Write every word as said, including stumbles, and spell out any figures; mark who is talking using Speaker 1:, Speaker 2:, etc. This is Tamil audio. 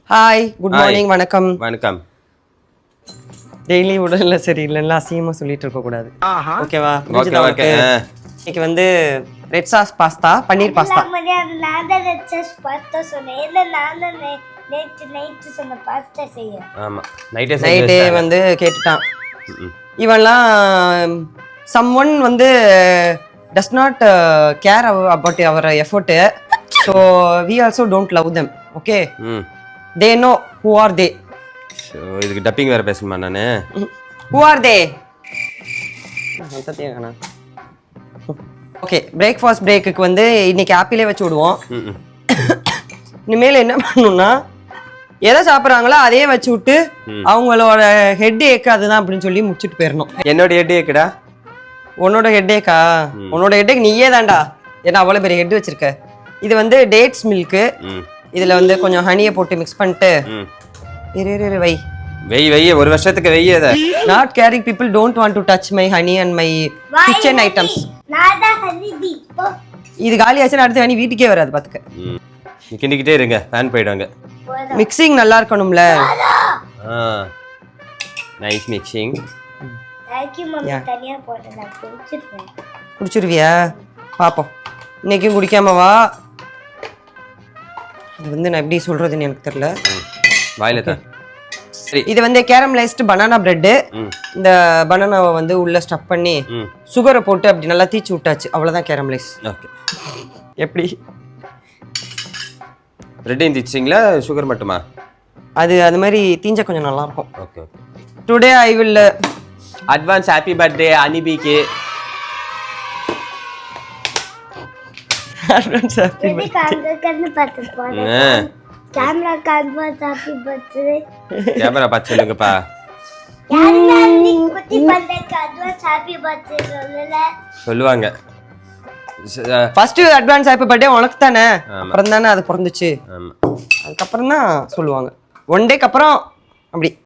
Speaker 1: ஹாய், குட் மார்னிங், வணக்கம்.
Speaker 2: வணக்கம்.
Speaker 1: டெய்லி உடல்ல சரியில்லைன்னா அசிங்கமா சொல்லிட்டு இருக்க கூடாது. ஓகேவா?
Speaker 2: Okay okay.
Speaker 1: இன்னைக்கு வந்து red sauce pasta, paneer pasta.
Speaker 3: நான் தான் ரெட் சாஸ் பாஸ்தா சொன்னேன். இல்ல நான் தான் நேத்து நைட் சொன்ன பாஸ்தா செய்ய.
Speaker 2: ஆமா, நைட்டே
Speaker 1: நைட்டே வந்து கேட்டுட்டான். இவன்லாம் someone வந்து does not uh, care about our effort, so we also don't love them. Okay?
Speaker 2: ம்.
Speaker 1: They know who are they.
Speaker 2: So இதுக்கு டப்பிங் வேற பேசணுமா நானு?
Speaker 1: Who are they? சத்தியங்கண்ணா. ஓகே, பிரேக்ஃபாஸ்ட் பிரேக்குக்கு வந்து இன்னைக்கு ஆப்பிளே வச்சு விடுவோம்.
Speaker 2: ம்.
Speaker 1: இனிமேல் என்ன பண்ணணும்னா எதை சாப்பிட்றாங்களோ அதே வச்சு விட்டு அவங்களோட ஹெட் ஏக்கு அதுதான் அப்படின்னு சொல்லி முடிச்சுட்டு போயிடணும்.
Speaker 2: என்னோட ஹெட் ஏக்குடா?
Speaker 1: உன்னோட ஹெட் ஏக்கா? உன்னோட ஹெட் ஏக் நீயே தான்டா, ஏன்னா அவ்வளோ பெரிய ஹெட் வச்சிருக்க. இது வந்து டேட்ஸ் மில்க்கு. இதுல வந்து கொஞ்சம் ஹனியை போட்டு மிக்ஸ் பண்ணிட்டு இரு இரு இரு வை
Speaker 2: வெய் வெய் ஒரு வருஷத்துக்கு வெய். அத
Speaker 1: not caring people don't want to touch my honey and my kitchen items.
Speaker 3: நான் தான் ஹனி பீ.
Speaker 1: இது காலி ஆச்சுன்னா அடுத்து ஹனி வீட்டுக்கே வராது பாத்துக்க.
Speaker 2: கிண்டிக்கிட்டே இருங்க, ஃபேன் போயிடுவாங்க.
Speaker 1: மிக்சிங் நல்லா இருக்கணும்ல.
Speaker 2: ஆ nice mixing.
Speaker 3: Thank you mummy. தனியா போட்டு நான் குடிச்சிடுவேன்.
Speaker 1: குடிச்சிருவியா? பாப்போம். இன்னைக்கும் குடிக்காம வா. இது வந்து நான் எப்படி சொல்றதுன்னு எனக்கு தெரியல.
Speaker 2: வாயில தான். சரி,
Speaker 1: இது வந்து கேரமலைஸ்டு பனானா பிரெட். இந்த பனானாவை வந்து உள்ள ஸ்டஃப் பண்ணி சுகரை போட்டு அப்படி நல்லா தீச்சு விட்டாச்சு. அவ்வளவுதான் கேரமலைஸ்.
Speaker 2: ஓகே.
Speaker 1: எப்படி
Speaker 2: பிரெட்டையும் தீச்சிங்களா, சுகர் மட்டுமா?
Speaker 1: அது அது மாதிரி தீஞ்சா கொஞ்சம் நல்லா இருக்கும்.
Speaker 2: Okay okay.
Speaker 1: Today I will
Speaker 2: advance happy birthday அனிபிக்கு.
Speaker 1: அட்வான்ஸ் ஹாப்பி
Speaker 3: இது காங்க கண்ணு பார்த்து போடு. கேமரா காங்க ஹாப்பி பர்த்டே.
Speaker 2: கேமரா பார்த்து சொல்லுங்கப்பா.
Speaker 3: யாருங்க நீ குட்டி பந்தேக்கு அட்வான்ஸ் ஹாப்பி பர்த்டே சொல்லல?
Speaker 2: சொல்லுவாங்க.
Speaker 1: ஃபர்ஸ்ட் அட்வான்ஸ் ஹாப்பி பர்த்டே உனக்கு தானே, அப்புறம் தானே அது பிறந்துச்சு.
Speaker 2: ஆமா,
Speaker 1: அதுக்கப்புறம் தான் சொல்லுவாங்க. ஒன் டேக்கு அப்புறம் அப்படி